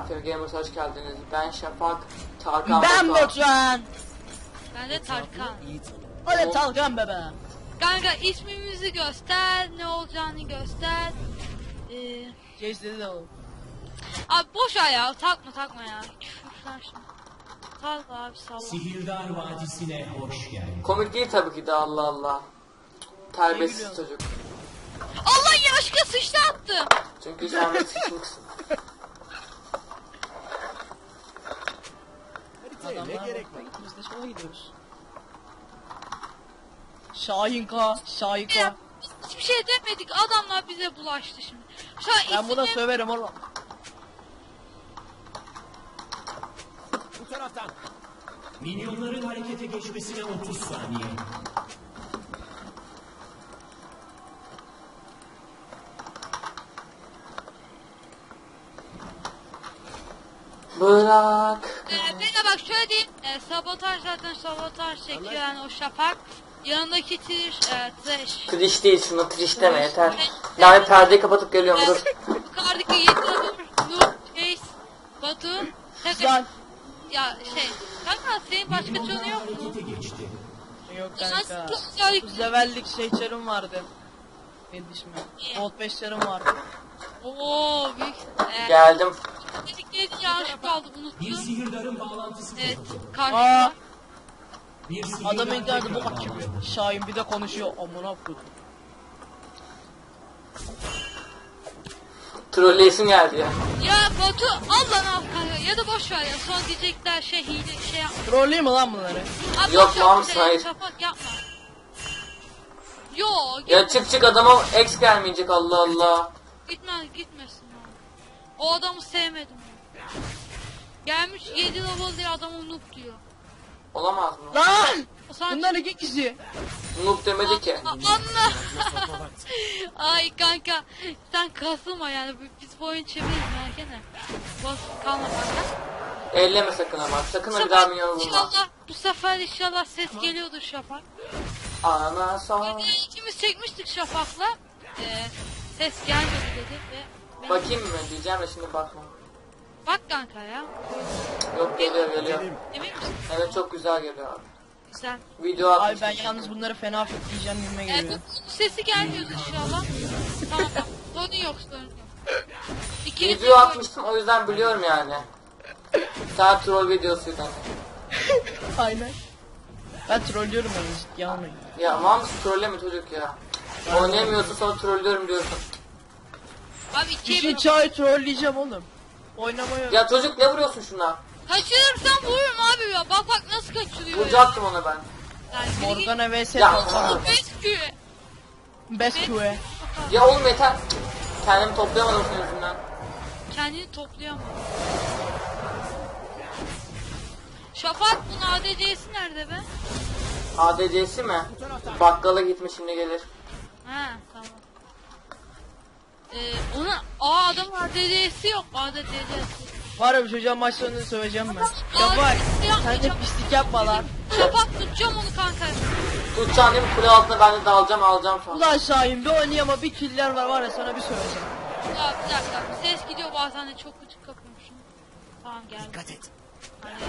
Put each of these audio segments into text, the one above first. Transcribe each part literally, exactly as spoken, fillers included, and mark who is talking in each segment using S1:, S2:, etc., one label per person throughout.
S1: F F Gamers hoş geldiniz. Ben Şafak, Tarkan
S2: Ben
S1: Batuhan.
S2: Batuhan.
S3: Ben de Tarkan.
S2: Öyle Tarkan bebe.
S3: Kanka ismimizi göster, ne olacağını göster. Ee,
S2: Geçti de o.
S3: abi boş ver ya, takma takma ya. Küfürler şimdi. Takma abi salla.
S4: Sihirdar Vadisi'ne hoş geldin.
S1: Komik değil tabii ki de, Allah Allah. Terbiyesiz
S2: gülüyorsun?
S1: çocuk.
S3: Allah yaşka sıçtı attı.
S1: Çünkü sen de sıçmışsın.
S2: Adamlar ne gerek var? Biz de şuna gidiyoruz. Şahin K, Şahin K.
S3: Ya, hiçbir şey demedik, adamlar bize bulaştı şimdi. Şu an
S2: Ben buna
S3: isimleri-
S2: söverim oğlum.
S4: Bu taraftan. Minyonların harekete geçmesine otuz saniye.
S1: Bırak.
S3: Ee, bir de bak şöyle diyeyim, e, sabotaj zaten sabotaj çekiyor yani o Şafak. Yanındaki Trish, e, Trish.
S1: Triş değil, şunu triş deme yeter. Daha bir perdeyi kapatıp geliyorum, dur.
S3: Yukarıdaki Yetanur, Nur, Chase, Batu.
S2: Güzel.
S3: Ya şey, kanka senin başka
S4: Minyonlar
S3: canı yok mu?
S4: harekete geçti.
S2: Yok
S3: Nasıl
S2: kanka.
S3: çok güzel
S2: Yüz levellik şey çarım vardı. Yetişme. Gold beş çarım vardı.
S3: Ooo büyük. Ee,
S1: Geldim.
S3: dedikleri yanlış kaldı
S4: Bir
S3: unuttum.
S4: sihirdarın bağlantısı
S3: Evet,
S4: koptu.
S2: Aa,
S3: karşıma.
S4: Bir sihirdar
S2: adam engeldi bu
S4: tekrar
S2: bak gibi.
S4: bağlandı.
S2: Şahin bir de konuşuyor. Amına koydum.
S1: Trolleyesim geldi ya.
S3: Ya Batu al lan al kanka ya da boş ver ya sonra diyecekler şey hile şey yapma.
S2: Trolleyim mi lan bunları?
S3: Abi
S1: Yok,
S3: boş ver,
S1: Mahmut,
S3: şey,
S1: hayır.
S3: Şafak yapma. Yo
S1: Ya çık çık, adama X gelmeyecek, Allah Allah.
S3: gitmez gitmesin abi. O adamı sevmedim ben. Gelmiş yedi level diye adamı noob diyor.
S1: Olamaz mı?
S2: Lan!
S3: O sadece-
S2: Bunlar iki kişi.
S1: Noob demedi ki.
S3: A- Anla. Ay kanka sen kasılma yani biz bu oyunu çeviririz merak etme. Bas kalma kanka.
S1: Elleme sakın ama. Sakın
S3: Bu
S1: ha bir daha
S3: sefer
S1: minyonu vurma.
S3: inşallah bu sefer inşallah ses geliyordur Şafak.
S1: Ana son.
S3: Videoyu ikimiz çekmiştik Şafak'la. Ee, ses gelmedi dedi ve ben-
S1: Bakayım mı diyeceğim de şimdi bakma.
S3: bak kanka ya.
S1: Yok, geliyor geliyor.
S3: Emin misin?
S1: Evet, çok güzel geliyor abi.
S3: Güzel.
S1: Video
S2: Ay
S1: atmıştım.
S2: ben yalnız bunları fena fitleyeceğim gibime
S3: Ee,
S2: geliyor.
S3: bu sesi gelmiyordu inşallah. Tamam tamam. Sorun yok sorun yok. İkili
S1: Video atmıştım, o yüzden biliyorum yani. Sen troll videosuydu.
S2: Aynen. Ben trollüyorum onu ciddiye almayın.
S1: Ya aman trolleme çocuk ya. Oynayamıyorsun sonra trollüyorum diyorsun.
S3: Abi ikiye
S2: İşin
S3: bir.
S2: çay trolleyeceğim oğlum. Oynamaya.
S1: Ya çocuk, ne vuruyorsun şuna?
S3: Kaçırırsam vururum abi ya. Bak bak nasıl kaçırıyor.
S1: Vuracaktım ona ben.
S3: Yani
S2: Morgana vs
S1: Ya.
S2: Kalkan.
S3: Rescue.
S2: Best Q'e.
S1: Ya oğlum yeter. Kendimi toplayamadım senin yüzünden.
S3: Kendini toplayamıyor. Şafak bunun A D C'si nerede be?
S1: A D C'si mi? Bakkala gitmiş, şimdi gelir.
S3: Ha tamam. Ee, ona aa adamın A D C'si yok. A D C'si.
S2: Var ya bu çocuğa maç sonunda söveceğim ben.
S3: Aa,
S2: Ya bak
S3: yapma,
S2: sen de
S3: yapma.
S2: pislik yapma lan.
S3: Şafak tutacağım onu kanka.
S1: Tutacağım değil mi? Kule altına ben de dalacağım, alacağım sonra.
S2: Ulan Şahin bir oynayama bir killer var var ya sana bir söveceğim.
S3: Ya bir dakika. Ses gidiyor bazen de çok gıcık kapıyormuşum. Tamam geldi.
S4: Dikkat et.
S3: Hadi.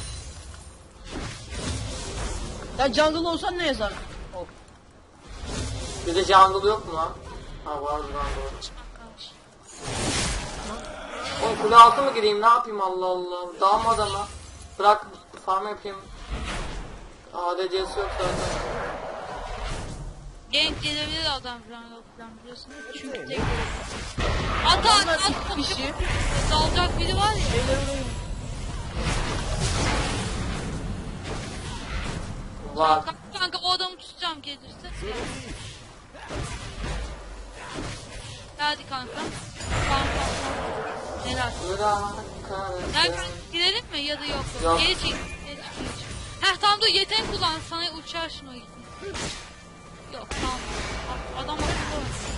S2: Sen jungle olsan ne yazar? Hop.
S1: Bir de jungle yok mu lan? Ha, var lan, doğru.
S3: Kalmış.
S1: Oğlum kule altı mı gireyim, ne yapayım, Allah Allah. Dalma adama. Bırak farm yapayım. A D C'si yok zaten.
S3: Genç gelebilir adam falan yok falan biliyorsun. Çünkü tek At at
S2: Adamlar
S3: at.
S2: iki kişi.
S3: Dalacak biri var ya.
S2: Beyler orayı.
S1: Var.
S3: Kanka, kanka o adamı tutacağım gelirse. Hadi kanka. Kanka. Helal.
S1: Bırak.
S3: Nereden girelim mi ya da yok?
S1: Yok.
S3: Geri çek. Geri çek. Geri çek. Heh tamam dur yetenek kullan sana uçar şunu o gitsin. Yok tamam. A- Adam akıllı oynuyor.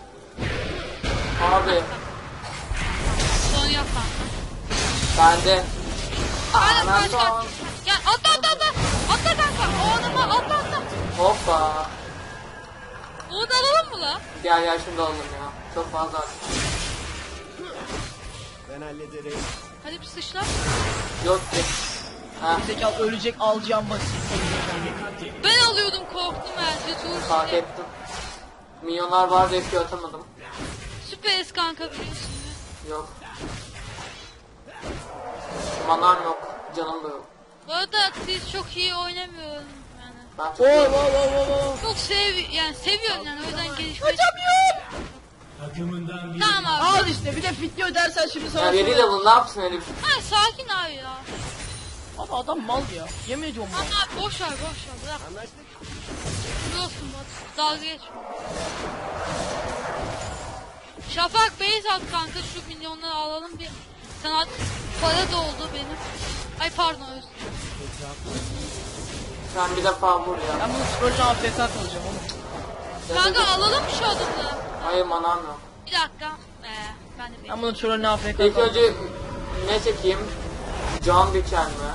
S1: Abi
S3: Sonra yap kanka.
S1: bende.
S3: Hadi
S1: Ana
S3: kaç
S1: son.
S3: kaç. Gel atla atla atla. Atla kanka. O adama atla atla.
S1: Hoppa.
S3: Onu da alalım mı la?
S1: Gel gel, şunu da alalım ya. Çok fazla artık.
S4: Ben hallederim.
S3: Hadi bir sıçla.
S1: Yok ki. Ha,
S2: Zekalı ölecek alacağım basit.
S3: Ben alıyordum korktum bence. Dur
S1: fark
S3: şimdi.
S1: ettim. Milyonlar var diye Q atamadım.
S3: Süperiz kanka biliyorsun.
S1: Yok. Manam yok. Canım da yok.
S3: Bu arada siz çok iyi oynamıyorum yani.
S1: Ben çok
S2: Oo oo oo oo.
S3: Çok sev yani seviyorum yani o yüzden gelişmeye
S4: Takımından bir
S3: Tamam abi.
S2: Al işte bir de video dersen şimdi sana
S1: Ya yedi
S2: sorarım.
S1: level ne yapsın herif?
S3: Ha sakin abi ya.
S2: Abi adam mal ya. Yemin ediyorum mal.
S3: Ama abi boş ver boş ver bırak. Biliyorsun bak dalga geçme. Şafak base at kanka şu milyonları alalım bir. Sana para doldu benim. Ay pardon özür dilerim.
S1: Sen bir defa vur ya.
S2: Ben bunu trollü A F K kalacağım oğlum.
S3: Kanka alalım şu adımı.
S1: Hayır manam yok.
S3: Bir dakika. Ee, ben de
S2: Ben
S3: bekleyeyim.
S2: bunu trollü A F K
S1: İlk
S2: kalacağım.
S1: önce ne çekeyim? Can biçen mi?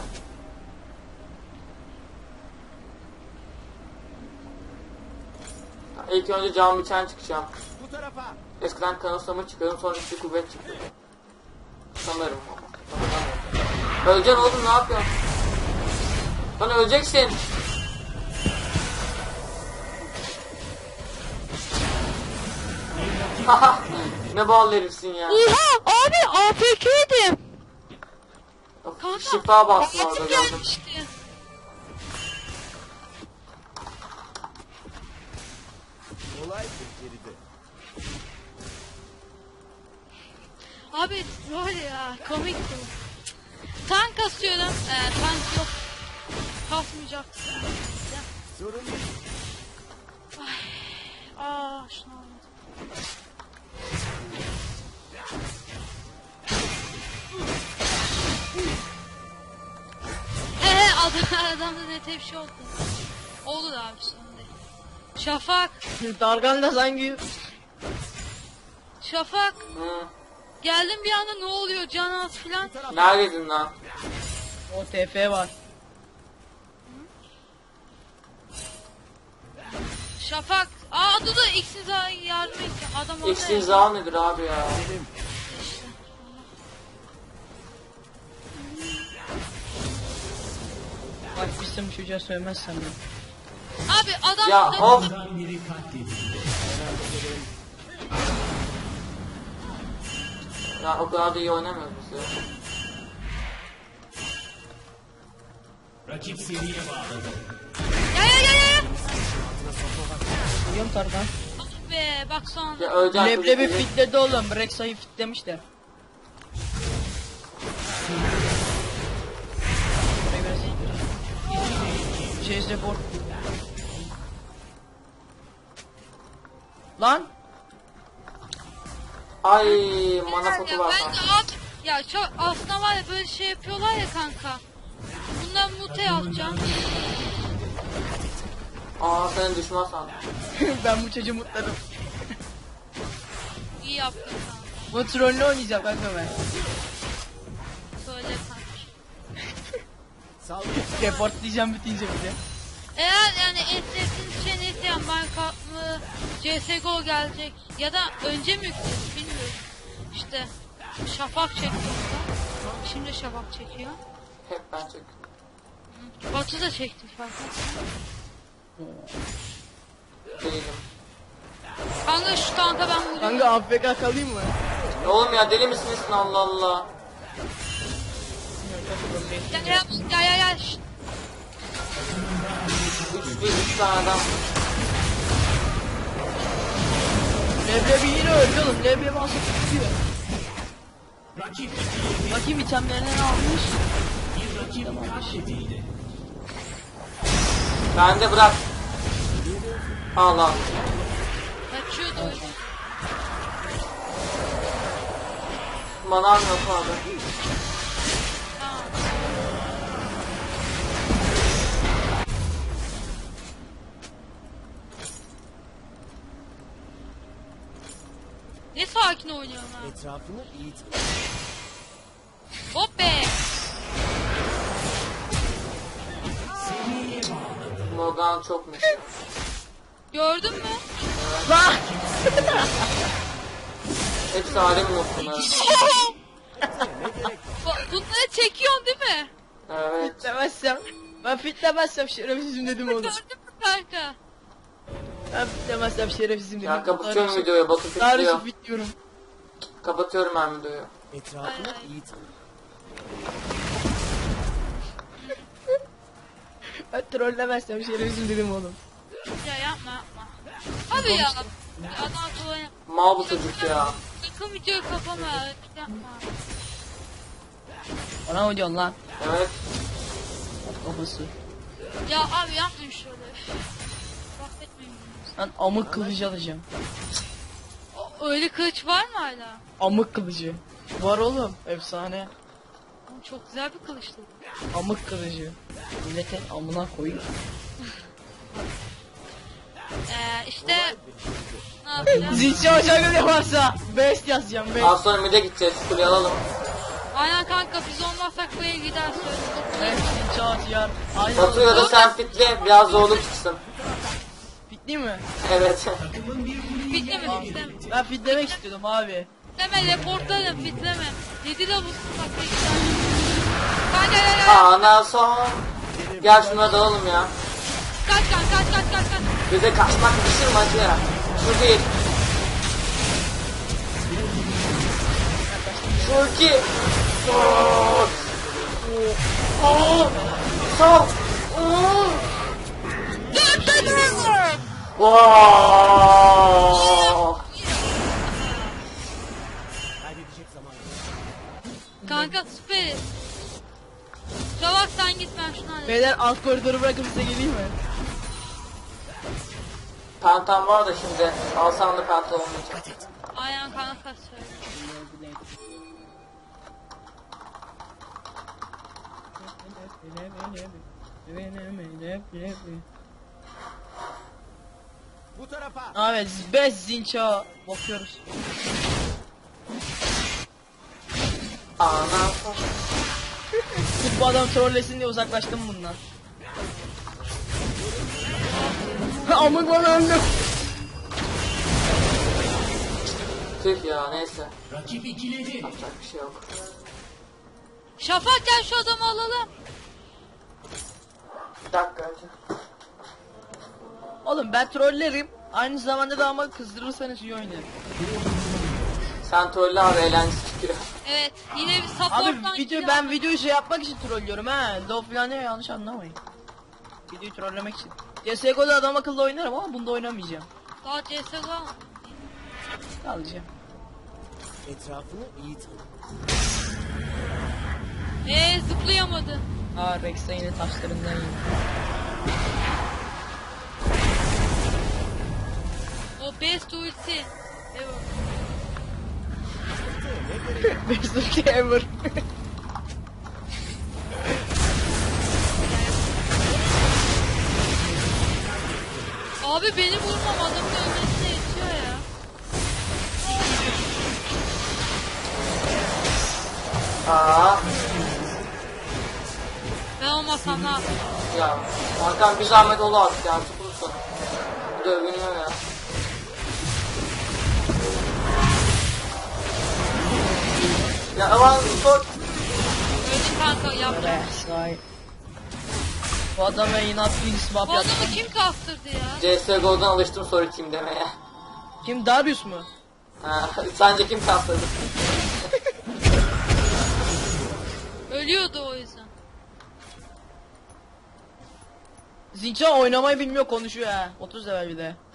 S1: İlk önce can biçen çıkacağım.
S4: bu tarafa.
S1: Eskiden kanıtlama çıkarım sonra işte kuvvet çıktı. Sanırım. Sanırım. Öleceksin oğlum ne yapıyorsun? Lan öleceksin. Haha, ne bağlı herifsin ya.
S3: Oha abi A F K'ydim.
S1: Of,
S3: Kanka.
S1: şifa bastın orada
S3: Ağzım
S1: gördüm.
S3: gelmişti.
S4: Olay geride.
S3: Abi rol ya komik bu. Tank kasıyorum. Ee, tank yok. Kasmayacak.
S4: Sorun yok.
S3: Aa şunu almadım. He he adam, adamda ne bir şey oldu. Olur abi şimdi. Şafak.
S2: Dargan da sanki
S3: Şafak.
S1: Hı.
S3: Geldim bir anda ne oluyor can az filan.
S1: Neredeydin lan?
S2: o T F var.
S3: Şafak. Aa dur da X'in yardım et. Adam orada.
S1: X imza nedir abi ya?
S2: Bak bizim çocuğa söylemezsem ya.
S3: Abi adam
S1: Ya
S3: burada-
S1: of.
S4: Bundan biri katledildi.
S1: Ya o kadar da iyi oynamıyoruz biz ya.
S4: Rakip seriye bağladı.
S3: Ya ya ya ya.
S2: Biliyorum Tarkan.
S3: Ah be bak sonra.
S1: Ya öleceksin.
S2: Leblebi
S1: çocuk
S2: fitledi oğlum. Rexa'yı fitlemişler. Burayı biraz iyi. Chase report. Lan.
S1: Ay mana potu
S3: Ya
S1: var
S3: ben de
S1: kanka.
S3: abi ya çok aslında var ya böyle şey yapıyorlar ya kanka. Bundan mute atacağım.
S1: Aa senin düşman sandım.
S2: Ben bu çocuğu mutladım.
S3: İyi yaptın kanka.
S2: Bu trollü oynayacağım kanka ben.
S3: Söyle kanka.
S4: Saldır.
S2: Report diyeceğim bitince bir de.
S3: Eğer yani en sevdiğiniz şey neyse yani Minecraft mı C S G O gelecek ya da önce mi yükleriz bilmiyorum. İşte Şafak çekiyor. Şimdi Şafak çekiyor.
S1: Hep ben çek.
S3: Batu da çekti farkında.
S1: Değilim.
S3: Kanka şu tanka ben vuruyorum.
S2: Kanka A F K kalayım mı?
S1: Ya oğlum ya deli misin nesin Allah Allah.
S3: Ya ya ya ya ya. Şşt.
S1: Üç bir üç tane adam.
S2: Leblebi yine öldü oğlum. Leblebi asıp tutuyor.
S4: Rakip
S2: Bakayım itemlerine ne almış?
S4: bir rakip katledildi.
S1: Ben de bırak. Allah.
S3: Kaçıyordu öyle.
S1: Manam yok abi.
S3: Tamam. Ne sakin oynuyorum ha.
S4: Etrafını iyi tut.
S3: Hop be.
S1: Morgan çokmuş.
S3: Gördün mü?
S2: Lan!
S1: Hepsi alem bunları.
S3: Ba-
S2: demezsem şerefsizim dedim oğlum.
S3: Gördün mü kanka?
S2: Ben demezsem şerefsizim dedim.
S1: Ya kapatıyorum videoyu. Batu fitliyor.
S2: Tarih bitiyorum.
S1: Kapatıyorum ben videoyu.
S4: Etrafını
S3: Ay, ay.
S4: iyi tanı.
S2: Ben trollemezsem şerefsizim dedim oğlum.
S3: Ya yapma yapma. Abi ya. Adam tuvalet yap.
S1: Mal bu çocuk ya.
S3: Sakın videoyu kapama. Yapma.
S2: Bana mı diyorsun lan?
S1: Evet.
S2: Kafası.
S3: Ya abi yapmayın şöyle. Bahsetmeyin.
S2: Ben amık kılıcı alacağım.
S3: O- Öyle kılıç var mı hala?
S2: Amık kılıcı. Var oğlum. Efsane.
S3: Oğlum çok güzel bir kılıçtı.
S2: Amık kılıcı. Milletin amına koyayım.
S3: Ee, işte ne yapacağız?
S2: Zinci hocam ne varsa best yazacağım best.
S1: Az sonra mid'e gideceğiz. Kuleyi alalım.
S3: Aynen kanka biz olmazsak buraya gider söyle.
S2: Best zinci hocam. Aynen.
S1: Batu ya da sen fitle. Biraz zorluk çıksın.
S2: Bitti mi?
S1: Evet.
S3: Fitlemedim fitleme.
S2: Ben fitlemek istiyordum abi.
S3: Fitleme reportlarım fitleme. Yedi de bu bak ne güzel. Kanka gel gel gel.
S1: Ana son. Gel şuna dalalım ya.
S3: Kaç kaç kaç kaç kaç kaç.
S1: Bize kaçmak düşür mü acı ya? Şu değil. Şu iki. Oo. Oo. Sol. Oo. Wow.
S4: Kaybedecek zaman yok.
S3: Kanka süperiz. Çabuk sen git ben şunu halledeyim.
S2: Beyler alt koridoru bırakıp size geleyim mi?
S1: Pentam var da şimdi. Alsam da pentam olmayacak.
S3: Aynen kanka söyle.
S4: Bu tarafa.
S2: Evet, best zinça bakıyoruz.
S1: Ana son.
S2: Sırf bu adam trollesin diye uzaklaştım bundan. Amık bana öldüm.
S1: Tüh ya neyse.
S4: Rakip ikiledi.
S1: Yapacak bir şey yok.
S3: Şafak gel şu adamı alalım.
S1: Bir dakika acı.
S2: Oğlum ben trollerim. Aynı zamanda da ama kızdırırsanız iyi oynarım.
S1: Sen trolle abi eğlencesi çıkıyor.
S3: Evet yine bir
S2: Abi
S3: supporttan
S2: video
S3: kill
S2: ben
S3: aldım.
S2: videoyu şey yapmak için trollüyorum ha. Love falan ne yanlış anlamayın. Videoyu trollemek için. C S G O'da adam akıllı oynarım ama bunda oynamayacağım.
S3: Daha C S G O.
S2: Alacağım.
S4: Etrafını iyi tanı.
S3: Eee zıplayamadı.
S2: Aa Rex'e yine taşlarından yiyor.
S3: O best ulti. Evet.
S2: Best ulti ever.
S3: Abi beni vurmam adamın ölmesine yetiyor ya.
S1: Aa.
S3: Ben olmasam ne yapayım?
S1: Ya Hakan bir zahmet ol artık ya. Tutursun. Bu da övünüyor ya. Ya aman sor.
S3: Öldüm kanka yaptım.
S2: Resay. Bu adama inat bir swap
S3: Bu
S2: yaptı.
S3: adamı kim kaptırdı ya?
S1: C S G O'dan alıştım soru kim demeye.
S2: Kim Darius mu?
S1: Ha, sence kim kaptırdı?
S3: Ölüyordu o yüzden.
S2: Zinça oynamayı bilmiyor konuşuyor ha. otuz level bir de.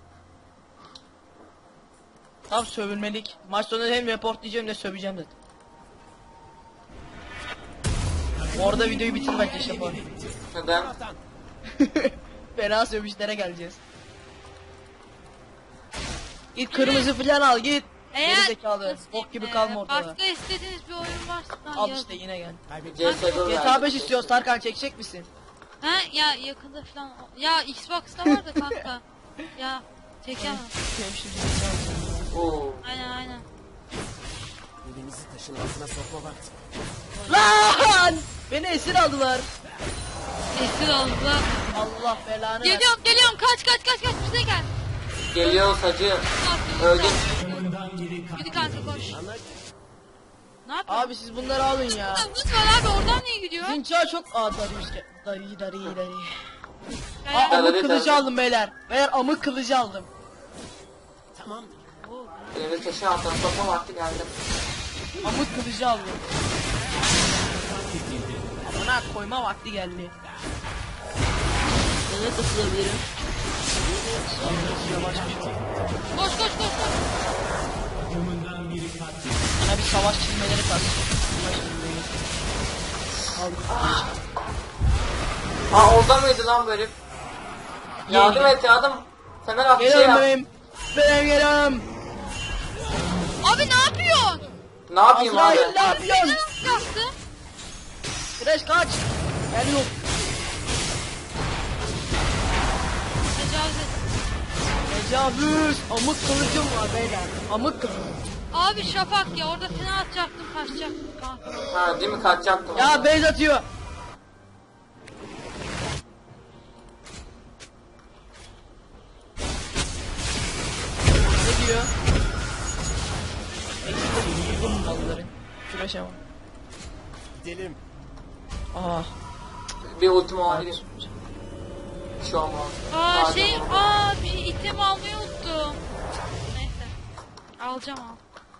S2: Tam sövülmelik. Maç sonunda hem report diyeceğim de söveceğim dedim. Orada videoyu bitir bence Şafak.
S1: Neden?
S2: Fena sövüşlere geleceğiz. Git kırmızı falan al git. Geri zekalı. Bok gibi kalma ortada.
S3: Başka istediğiniz bir oyun varsa
S2: Al
S3: yazın.
S2: işte yine gel.
S1: C S G O
S2: G T A beş istiyoruz Tarkan çekecek misin?
S3: Ha ya yakında falan. Ya Xbox'ta var da kanka. Ya çekemem.
S1: Oo.
S3: Aynen aynen.
S4: Elinizi taşın altına sokma vakti.
S2: Lan! Beni esir aldılar.
S3: Esir aldılar.
S2: Allah belanı ver.
S3: Geliyorum geliyorum kaç kaç kaç kaç bize gel.
S1: Geliyor sacı.
S3: Ne yapıyorsun?
S1: Öldüm.
S4: Takımından biri
S3: Hadi kanka koş.
S4: Ana
S3: Ne yapıyorsun?
S2: Abi siz bunları alın ya.
S3: Hız var abi, oradan niye gidiyor?
S2: Zinça çok... Aa Darius gel. Dari dari dari.
S3: Ya,
S2: Aa
S3: ya.
S2: amık
S1: Dari,
S2: kılıcı
S1: dari.
S2: aldım beyler. Beyler amık kılıcı aldım.
S4: Tamamdır.
S1: Devre taşı altına sokma vakti geldi.
S2: Amık kılıcı aldım. Amına koyma vakti geldi. Nereye tıklayabilirim?
S3: Koş koş koş koş.
S2: Bana bir savaş çizmeleri kas. Savaş çizmeleri. Aldım.
S1: Aa orada mıydı lan böyle? Yardım et yardım. Temel at bir şey
S2: Geliyorum
S1: yap.
S2: benim. Benim geliyorum.
S3: Abi ne yapıyorsun?
S1: Ne yapayım abi?
S2: Azrail ne yapıyorsun?
S3: Ne yaptı?
S2: Güneş kaç. Gel yok.
S3: Tecavüz et.
S2: Tecavüz. Amık kılıcım var beyler. Amık kılıcım.
S3: Abi Şafak ya, orada seni atacaktım, kaçacaktım kanka.
S1: Ha değil mi kaçacaktım.
S2: Ya beyz atıyor. Ne diyor? Eksik mi malları? Şuraya bak.
S4: Gidelim.
S2: Aa.
S1: Bir ultim olabilir. Bir şey olmaz.
S3: Aa
S1: Pardon.
S3: şey, aa bir şey, item almayı unuttum. Neyse. Alacağım al.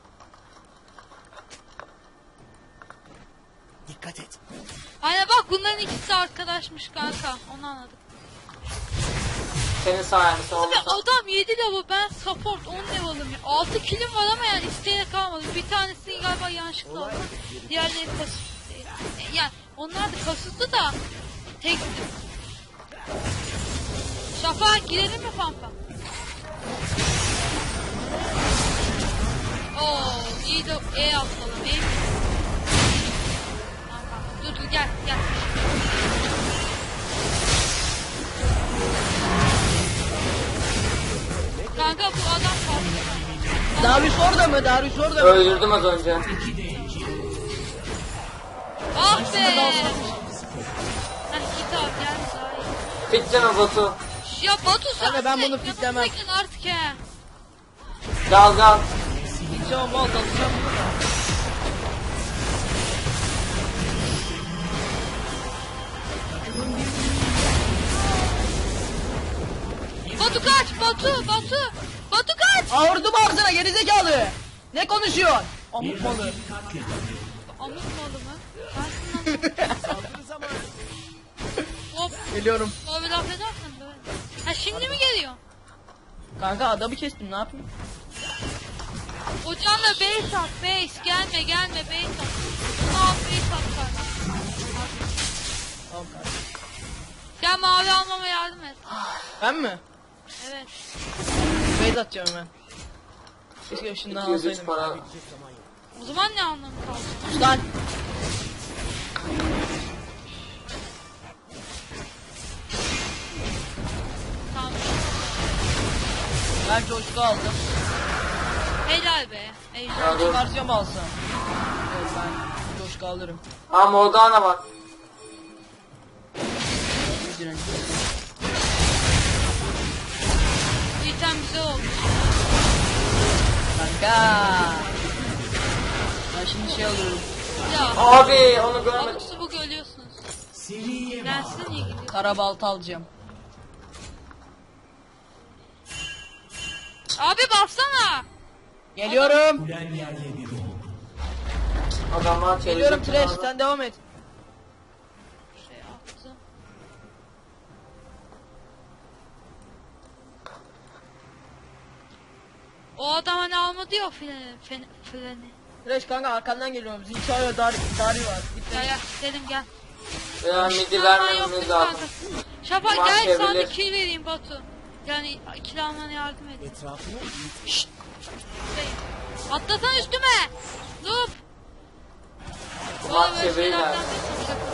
S4: Dikkat et.
S3: Aynen bak, bunların ikisi arkadaşmış kanka. Onu anladık.
S1: Senin sayende sağ
S3: Abi
S1: olasın.
S3: adam yedi level, ben support on level'ım ya. altı killim var ama yani isteğe kalmadı. Bir tanesini galiba yanlışlıkla aldım. Diğerleri kasıtlı değil. E, Yani onlar da kasıtlı da tek. Şafak girelim mi pampa? Oo iyi de E atalım. E. Tamam, tamam. Dur dur gel gel. Kanka bu adam kaldı.
S2: Darius orada mı? Darius orada mı?
S1: Öldürdüm az önce.
S3: Ah be! Heh git abi gel daha iyi.
S1: Fitleme Batu.
S3: Ya Batu sen
S2: Kanka ben
S3: sen
S2: bunu fitlemem.
S3: yanımdaydın artık he.
S1: Gaz gaz.
S2: Gideceğim mal dalacağım.
S3: Batu kaç Batu Batu. Batu kaç.
S2: Ağırdım ağzına gerizekalı. Ne konuşuyorsun? Amık malı.
S3: Amık malı mı? Sensin lan.
S4: Saldırı zamanı.
S3: Hop.
S2: Geliyorum.
S3: Abi laf edersen böyle. Ha şimdi mi geliyor?
S2: Kanka adamı kestim ne yapayım?
S3: Ocağınla base at base. Gelme gelme base at. Bunu al base at kardeşim.
S2: Tamam kanka.
S3: Gel mavi almama yardım et.
S2: Ben mi?
S3: Evet.
S2: Beyz atacağım hemen. Keşke şundan
S1: iki yüz üç
S2: alsaydım.
S1: para.
S3: O zaman ne anlamı kaldı?
S2: Sus lan.
S3: Tamam.
S2: Ben coşku aldım.
S3: Helal be. Ejder.
S1: Ya dur.
S2: Versiyon mu alsam? Evet ben coşku alırım.
S1: Aa Morgana bak.
S2: Bir direnç.
S3: Bu item güzel olmuş.
S2: Kanka. Ben şimdi şey alıyorum.
S3: Ya.
S1: Abi onu görmedim.
S3: Abuk subuk ölüyorsunuz. Ben size niye gidiyorum?
S2: Kara balta alacağım.
S3: Abi bassana.
S2: Geliyorum.
S1: Adamlar
S2: Geliyorum
S1: çevirecek.
S2: Trash sen devam et.
S3: Şey attım. O adam hani almadı ya freni. Freni. freni.
S2: Trash kanka arkandan geliyorum. Zinçaya dar dari var. Bitti.
S3: Gel gel gidelim gel.
S1: Ya midi
S3: Aman yok
S1: vermememiz
S3: değil mi
S1: lazım.
S3: kanka? Şafak
S1: Maç
S3: gel sana
S1: çevrilir.
S3: kill vereyim Batu. Yani kill almana yardım edeyim.
S4: Etrafını
S3: Şşt. Şey, atlasana üstüme. Noob.
S1: Maç
S3: Bana böyle
S1: çeviriler.
S3: şeylerden de şaka.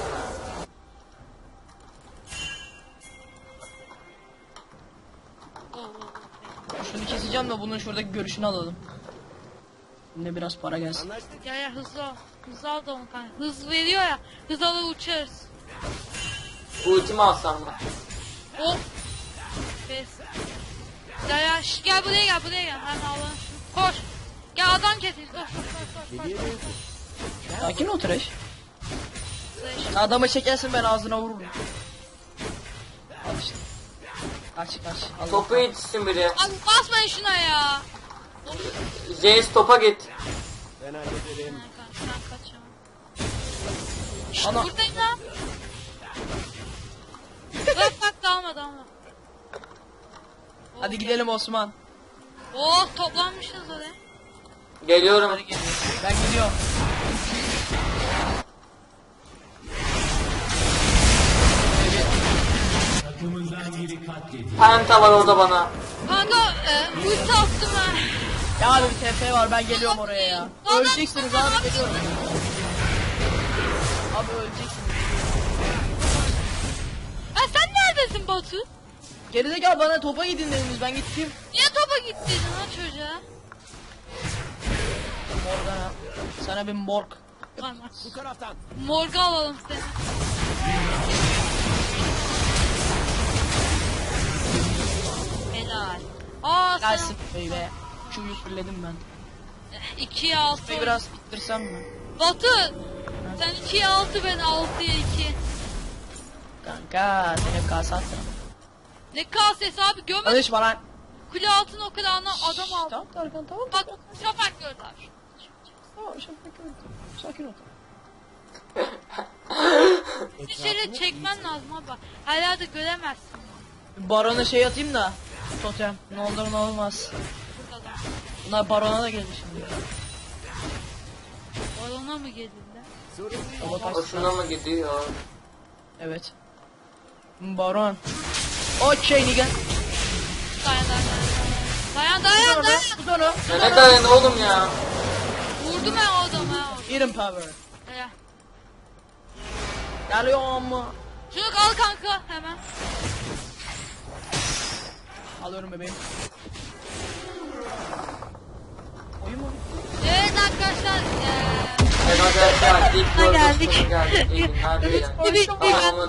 S3: Oo, oo, oo.
S2: Şunu keseceğim de bunun şuradaki görüşünü alalım. Yine biraz para gelsin.
S4: anlaştık.
S3: Ya ya hızlı ol. Hızlı al da onu kanka. Hız veriyor ya. Hız alır uçarız.
S1: Ultimi alsam mı?
S3: Hop. Pes. Ya ya şş, gel buraya gel buraya gel. Hemen Allah'ın şunu. Koş. Gel adam kesin. Koş koş koş koş. koş,
S4: Geriye
S3: koş.
S4: dön.
S2: Sakin ol Trash.
S3: Slash.
S2: Adama çekersin ben ağzına vururum. Al işte. Kaç kaç. Allah
S1: Topu yetişsin biri.
S3: Abi basmayın şuna ya.
S1: Jace topa git.
S4: Ben hallederim.
S3: Ha, kaç, sen kaç ya.
S2: Ana.
S3: Buradayım lan. Bak bak dalma dalma.
S2: Hadi gidelim Osman.
S3: Oh toplanmışız oraya.
S1: Geliyorum.
S2: Hadi gidelim. Ben gidiyorum.
S1: Penta var orada bana.
S3: Kanka e, ulti attım ha.
S2: Ya abi bir T P var ben geliyorum oraya ya. Öleceksiniz abi geliyorum. Abi öleceksiniz.
S3: Ha sen neredesin Batu?
S2: Gerizekalı bana topa gidin dediniz ben gittim.
S3: Niye topa gittin lan çocuğa?
S2: Morgana. Sana bir morg.
S3: Tamam.
S4: Bu taraftan.
S3: Morga alalım seni. Helal. Aa sen
S2: Gelsin baby. Çuyu fulledim ben.
S3: ikiye altı.
S2: Şurayı biraz ittirsem mi?
S3: Batu sen ikiye altı ben altıya iki.
S2: Kanka sen hep kasa attın.
S3: Ne kasesi abi gömme.
S2: Konuşma lan.
S3: Kule altın o kulağına adam aldı.
S2: Tamam Tarkan tamam.
S3: Bak şafak gördü abi.
S2: Tamam şafak gördüm. Sakin ol.
S3: Dışarı çekmen lazım abi. Her yerde göremezsin.
S2: Barona şey atayım da. Totem. Ne olur ne olmaz.
S3: Burada da.
S2: Bunlar barona da geldi şimdi.
S3: Balona mı geldiler?
S2: Baba kaç-
S1: Hoşuna mı gidiyor?
S2: Evet. Baron. Okey nigga.
S3: Dayan dayan dayan. Dayan dayan dayan.
S2: Tut onu.
S1: Ya ne dayan oğlum ya?
S3: Vurdum ben o adamı ha.
S2: Iron power.
S3: Helal.
S2: Geliyorum.
S3: Şunu al kanka hemen.
S2: Alıyorum bebeğim. Oyun mu?
S3: Evet arkadaşlar. Eee...
S1: Evet arkadaşlar ilk
S3: geldik.
S1: gördüğünüz geldik. İyi günler dilerim.
S3: Bir, bir, bir,
S1: Tamamı